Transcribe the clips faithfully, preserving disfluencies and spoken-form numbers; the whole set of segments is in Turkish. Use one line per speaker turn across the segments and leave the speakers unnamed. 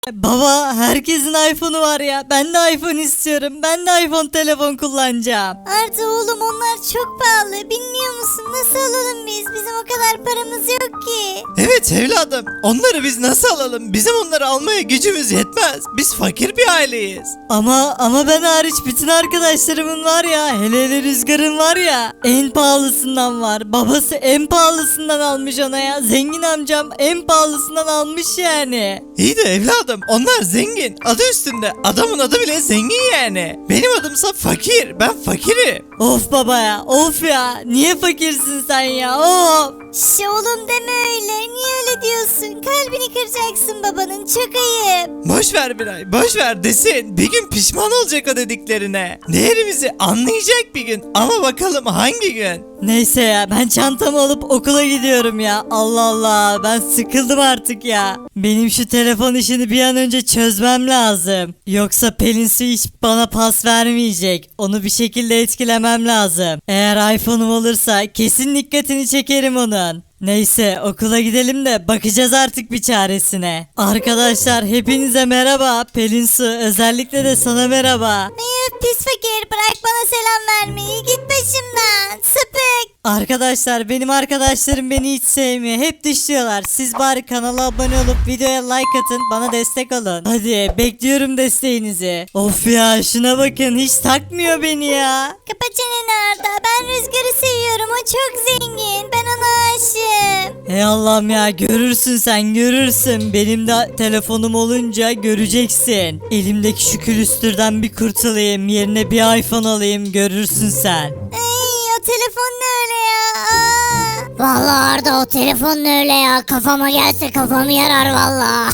Baba herkesin iPhone'u var ya. Ben de iPhone istiyorum. Ben de iPhone telefon kullanacağım.
Arda oğlum onlar çok pahalı. Bilmiyor musun? Nasıl alalım biz? Bizim o kadar paramız yok ki.
Evet evladım. Onları biz nasıl alalım? Bizim onları almaya gücümüz yetmez. Biz fakir bir aileyiz.
Ama ama ben hariç bütün arkadaşlarımın var ya. Hele hele Rüzgar'ın var ya. En pahalısından var. Babası en pahalısından almış ona ya. Zengin amcam en pahalısından almış yani.
İyi de evladım onlar zengin. Adı üstünde. Adamın adı bile zengin yani. Benim adımsa fakir. Ben fakirim.
Of baba ya. Of ya. Niye fakirsin sen ya? Of.
Şş oğlum deme öyle. Niye öyle diyorsun? Kalbini kıracaksın babanın. Çok ayıp.
Boş ver Biray. Boş ver desin. Bir gün pişman olacak o dediklerine. Değerimizi anlayacak bir gün. Ama bakalım hangi gün?
Neyse ya ben çantamı alıp okula gidiyorum ya. Allah Allah ben sıkıldım artık ya. Benim şu telefon işini bir an önce çözmem lazım. Yoksa Pelin Su hiç bana pas vermeyecek. Onu bir şekilde etkilemem lazım. Eğer iPhone'um olursa kesin dikkatini çekerim onun. Neyse okula gidelim de bakacağız artık bir çaresine. Arkadaşlar hepinize merhaba. Pelin Su özellikle de sana merhaba.
Eyüp pis fakir. Bırak bana selam vermeyi. Git başımdan. Sapık.
Arkadaşlar benim arkadaşlarım beni hiç sevmiyor. Hep dışlıyorlar. Siz bari kanala abone olup videoya like atın. Bana destek olun. Hadi bekliyorum desteğinizi. Of ya şuna bakın hiç takmıyor beni ya.
Kapa çeneni Arda. Ben Rüzgar'ı seviyorum. O çok zengin. Ben ona aşığım.
Ey Allah'ım ya görürsün sen görürsün. Benim de telefonum olunca göreceksin. Elimdeki şu külüstürden bir kurtulayım. Yerine bir iPhone alayım görürsün sen.
Ay o telefon ne öyle ya? Aa. Vallahi Arda o telefon ne öyle ya? Kafama gelse kafamı yarar vallahi.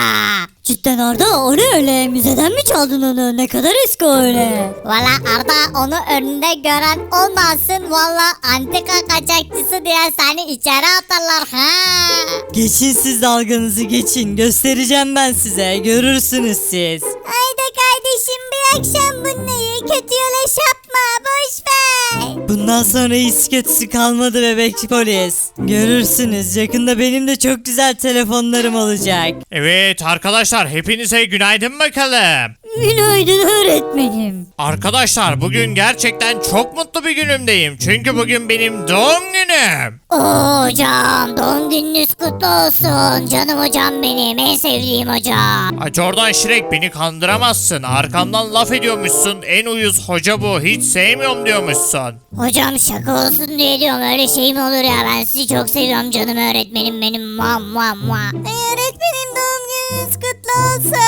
Cidden Arda o ne öyle? Müzeden mi çaldın onu? Ne kadar eski o öyle?
Valla Arda onu önünde gören olmasın. Valla antika kaçakçısı diye seni içeri atarlar ha.
Geçin siz dalganızı geçin. Göstereceğim ben size. Görürsünüz siz.
Haydi kardeşim bir akşam bunları kötü yola şapma. Boş ver.
Bundan sonra iyisi kötüsü kalmadı bebek polis. Görürsünüz. Yakında benim de çok güzel telefonlarım olacak.
Evet arkadaşlar hepinize günaydın bakalım.
Günaydın öğretmenim.
Arkadaşlar bugün gerçekten çok mutlu bir günümdeyim. Çünkü bugün benim doğum günüm.
Oo, hocam doğum gününüz kutlu olsun. Canım hocam benim en sevdiğim hocam.
Ay Jordan Şirek beni kandıramazsın. Arkamdan laf ediyormuşsun. En uyuz hoca bu. Hiç sevmiyorum diyormuşsun.
Hocam şaka olsun diye diyorum öyle şey mi olur ya ben sizi çok seviyorum canım öğretmenim benim muah muah muah. Ay öğretmenim doğum gününüz kutlu olsun.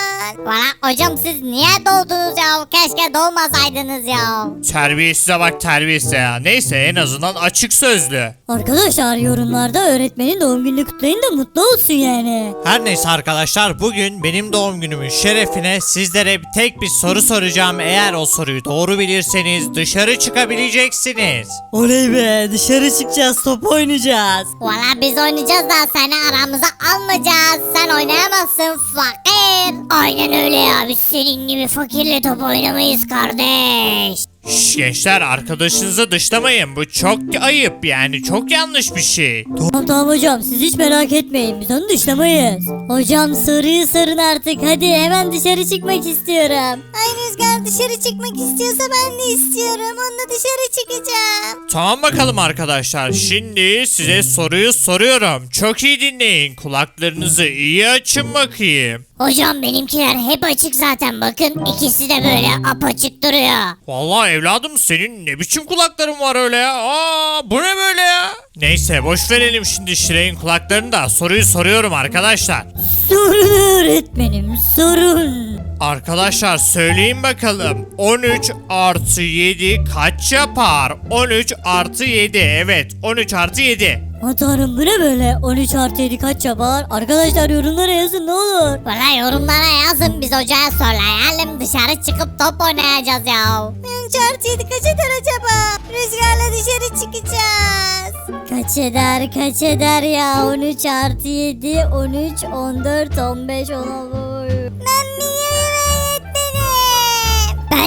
Valla hocam siz niye doğdunuz ya keşke doğmasaydınız ya.
Terbiyesize bak terbiyesize ya. Neyse en azından açık sözlü.
Arkadaşlar yorumlarda öğretmenin doğum gününü kutlayın da mutlu olsun yani.
Her neyse arkadaşlar bugün benim doğum günümün şerefine sizlere tek bir soru soracağım. Eğer o soruyu doğru bilirseniz dışarı çıkabileceksiniz.
Oley be dışarı çıkacağız top oynayacağız.
Valla biz oynayacağız da seni aramıza almayacağız. Sen oynayamazsın fakir. Aynen öyle ya biz senin gibi fakirle top oynamayız kardeş.
Şş, gençler arkadaşınızı dışlamayın. Bu çok ayıp yani çok yanlış bir şey.
Tamam tamam hocam siz hiç merak etmeyin biz onu dışlamayız. Hocam soruyu sorun artık hadi hemen dışarı çıkmak istiyorum.
Ay Rüzgar dışarı çıkmak istiyorsa ben de istiyorum. Onunla dışarı çıkacağım.
Tamam bakalım arkadaşlar. Şimdi size soruyu soruyorum. Çok iyi dinleyin. Kulaklarınızı iyi açın bakayım.
Hocam benimkiler hep açık zaten bakın. İkisi de böyle apaçık duruyor.
Vallahi evladım senin ne biçim kulakların var öyle ya? Aa, bu ne böyle ya? Neyse boş verelim şimdi Şirek'in kulaklarını da soruyu soruyorum arkadaşlar.
Sorun öğretmenim sorun.
Arkadaşlar söyleyin bakalım. on üç artı yedi kaç yapar? on üç artı yedi evet on üç artı yedi.
Aman tanrım bu ne böyle on üç artı yedi kaç yapar? Arkadaşlar yorumlara yazın ne olur.
Valla yorumlara yazın biz hocaya söyleyelim. Dışarı çıkıp top oynayacağız ya. on üç artı yedi kaç eder acaba? Rüzgarla dışarı çıkacağız.
Kaç eder kaç eder ya on üç artı yedi on üç on dört on beş on altı.
Ben biliyorum öğretmenim. Ben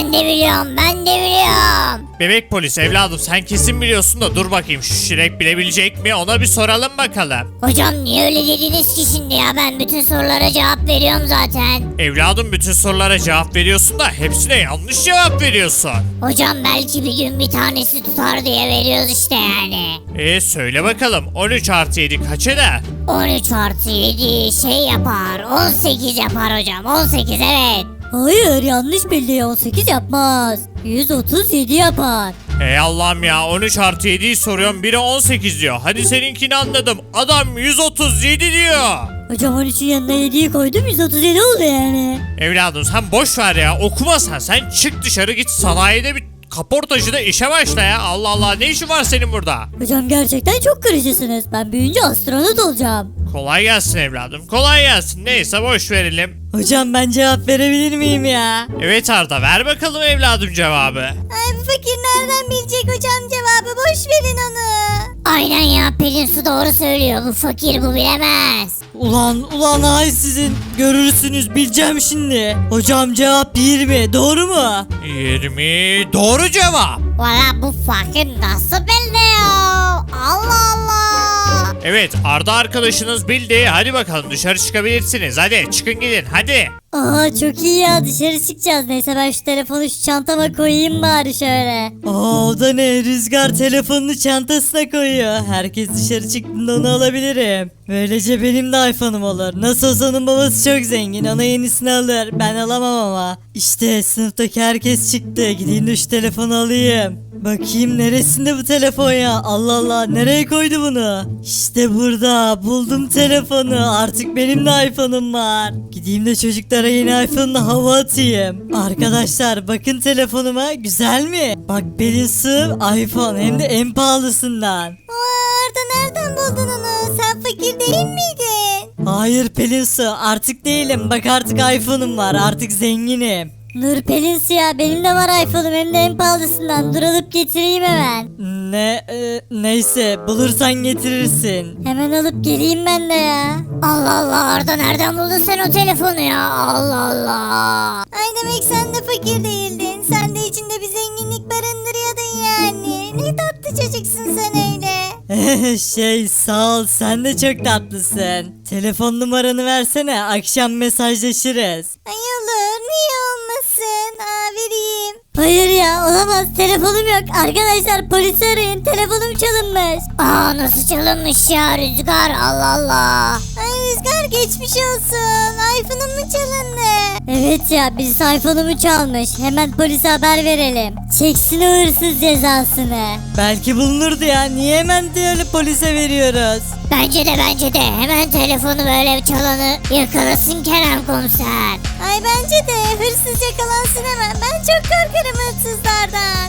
Ben de biliyorum ben de biliyorum.
Bebek polis evladım sen kesin biliyorsun da dur bakayım şu Şirek bilebilecek mi ona bir soralım bakalım.
Hocam niye öyle dediniz ki şimdi ya, ben bütün sorulara cevap veriyorum zaten.
Evladım bütün sorulara cevap veriyorsun da hepsine yanlış cevap veriyorsun.
Hocam belki bir gün bir tanesi tutar diye veriyoruz işte yani.
E söyle bakalım on üç artı yedi kaç eder?
on üç artı yedi şey yapar, on sekiz yapar hocam, on sekiz evet.
Hayır yanlış bildi, on sekiz yapmaz. yüz otuz yedi yapar.
Ey Allah'ım ya on üç artı yediyi soruyorum biri on sekiz diyor. Hadi seninkini anladım adam yüz otuz yedi diyor.
Hocam on üçün yanına yediyi koydum, yüz otuz yedi oldu yani.
Evladım sen boş ver ya okuma sen sen çık dışarı git sanayide bir kaportacıda işe başla ya. Allah Allah ne işin var senin burada?
Hocam gerçekten çok kırıcısınız. Ben büyüyünce astronot olacağım.
Kolay gelsin evladım kolay gelsin neyse boş verelim.
Hocam ben cevap verebilir miyim ya?
Evet Arda ver bakalım evladım cevabı.
Ay bu fakir nereden bilecek hocam cevabı, boş verin onu. Aynen ya, Pelin Su doğru söylüyor, bu fakir bu bilemez.
Ulan ulan ay sizin görürsünüz bileceğim şimdi. Hocam cevap yirmi doğru mu?
yirmi doğru cevap.
Valla bu fakir nasıl bildi ya? Allah Allah.
Evet Arda arkadaşınız bildi hadi bakalım dışarı çıkabilirsiniz hadi çıkın gidin hadi.
Aa çok iyi ya, dışarı çıkacağız. Neyse ben şu telefonu şu çantama koyayım bari şöyle.
Aa o da ne? Rüzgar telefonunu çantasına koyuyor. Herkes dışarı çıktığında onu alabilirim. Böylece benim de iPhone'um olur. Nasıl olsa onun babası çok zengin. Ona yenisini alır. Ben alamam ama. İşte sınıftaki herkes çıktı. Gideyim de şu telefonu alayım. Bakayım neresinde bu telefon ya? Allah Allah nereye koydu bunu? İşte burada. Buldum telefonu. Artık benim de iPhone'um var. Gideyim de çocuklara yeni iPhone'la hava atayım. Arkadaşlar bakın telefonuma. Güzel mi? Bak Pelin Su iPhone hem de en pahalısından.
Arda nereden buldun onu? Sen fakir değil miydin?
Hayır Pelin Su artık değilim. Bak artık iPhone'um var. Artık zenginim.
Nur Pelin Suya, benim de var iPhone'um, hem de en pahalısından. Dur alıp getireyim hemen.
Ne e, neyse bulursan getirirsin.
Hemen alıp geleyim ben de ya.
Allah Allah Arda nereden buldun sen o telefonu ya? Allah Allah. Ay demek sen de fakir değildin. Sen de içinde bir zenginlik barındırıyordun yani. Ne tatlı çocuksun sen öyle.
Şey sağ ol sen de çok tatlısın. Telefon numaranı versene akşam mesajlaşırız.
Ay olur niye olmasın? Aa vereyim.
Hayır ya, olamaz, telefonum yok. Arkadaşlar polisi arayın, telefonum çalınmış.
Aa nasıl çalınmış ya Rüzgar, Allah Allah. Ay Rüzgar geçmiş olsun. iPhone'un mu çalındı?
Evet ya, birisi iPhone'umu çalmış. Hemen polise haber verelim. Çeksin o hırsız cezasını.
Belki bulunurdu ya niye hemen de öyle polise veriyoruz?
Bence de bence de hemen telefonu böyle çalanı yakalasın Kerem komiser. Ay bence de hırsız yakalansın hemen. Ben çok korkarım hırsızlardan.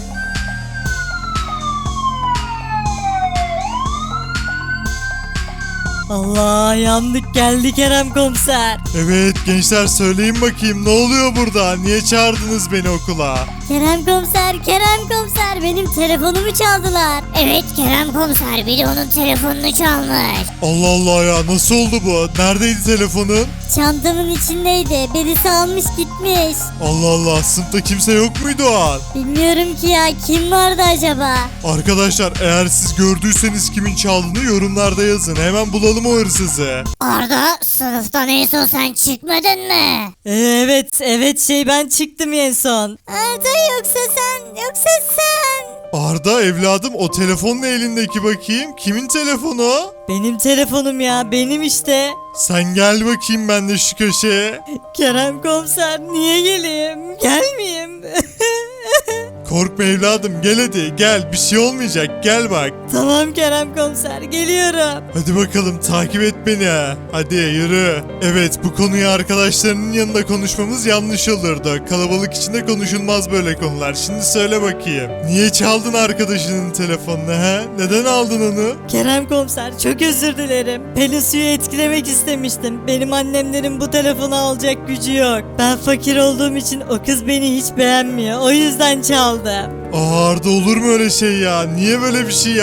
Allah yandık geldi Kerem komiser.
Evet gençler söyleyin bakayım ne oluyor burada? Niye çağırdınız beni okula?
Kerem komiser, Kerem komiser, benim telefonumu çaldılar.
Evet Kerem komiser biri onun telefonunu çalmış.
Allah Allah ya nasıl oldu bu? Neredeydi telefonun?
Çantamın içindeydi. Birisi almış gitmiş.
Allah Allah sınıfta kimse yok muydu o an?
Bilmiyorum ki ya, kim vardı acaba?
Arkadaşlar eğer siz gördüyseniz kimin çaldığını yorumlarda yazın. Hemen bulalım o hırsızı.
Arda sınıftan en son sen çıkmadın mı?
Ee, evet evet şey ben çıktım en son.
Arda yoksa sen yoksa sen.
Arda evladım o telefonun elindeki bakayım. Kimin telefonu o?
Benim telefonum ya benim işte.
Sen gel bakayım ben de şu köşeye.
Kerem komiser niye geleyim? Gelmeyeyim.
Korkma evladım gel hadi gel bir şey olmayacak gel bak.
Tamam Kerem komiser geliyorum.
Hadi bakalım takip et beni. Hadi yürü. Evet bu konuyu arkadaşlarının yanında konuşmamız yanlış olurdu. Kalabalık içinde konuşulmaz böyle konular. Şimdi söyle bakayım. Niye çaldın arkadaşının telefonunu he? Neden aldın onu?
Kerem komiser çok özür dilerim. Pelin Su'yu etkilemek istemiştim. Benim annemlerin bu telefonu alacak gücü yok. Ben fakir olduğum için o kız beni hiç beğenmiyor. O yüzden çaldım.
Aa, Arda olur mu öyle şey ya? Niye böyle bir şey yaptın?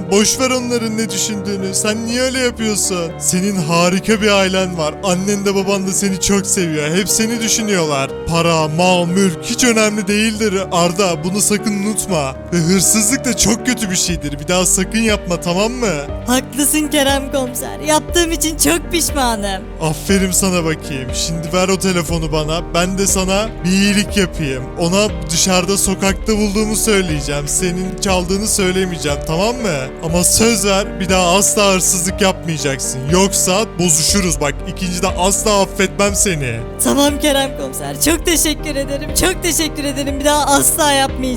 Tamam boş ver onların ne düşündüğünü. Sen niye öyle yapıyorsun? Senin harika bir ailen var. Annen de baban da seni çok seviyor. Hep seni düşünüyorlar. Para, mal, mülk hiç önemli değildir Arda. Bunu sakın unutma. Ve hırsızlık da çok kötü bir şeydir. Bir daha sakın yapma, tamam mı?
Haklısın Kerem komiser. Yaptığım için çok pişmanım.
Aferin sana bakayım. Şimdi ver o telefonu bana. Ben de sana bir iyilik yapayım. Ona dışarıda sokakta bulduğumu söyleyeceğim. Senin çaldığını söylemeyeceğim, tamam mı? Ama söz ver, bir daha asla hırsızlık yapmayacaksın. Yoksa bozuşuruz bak. İkinci de asla affetmem seni.
Tamam Kerem komiser. Çok teşekkür ederim. Çok teşekkür ederim. Bir daha asla yapmayacağım.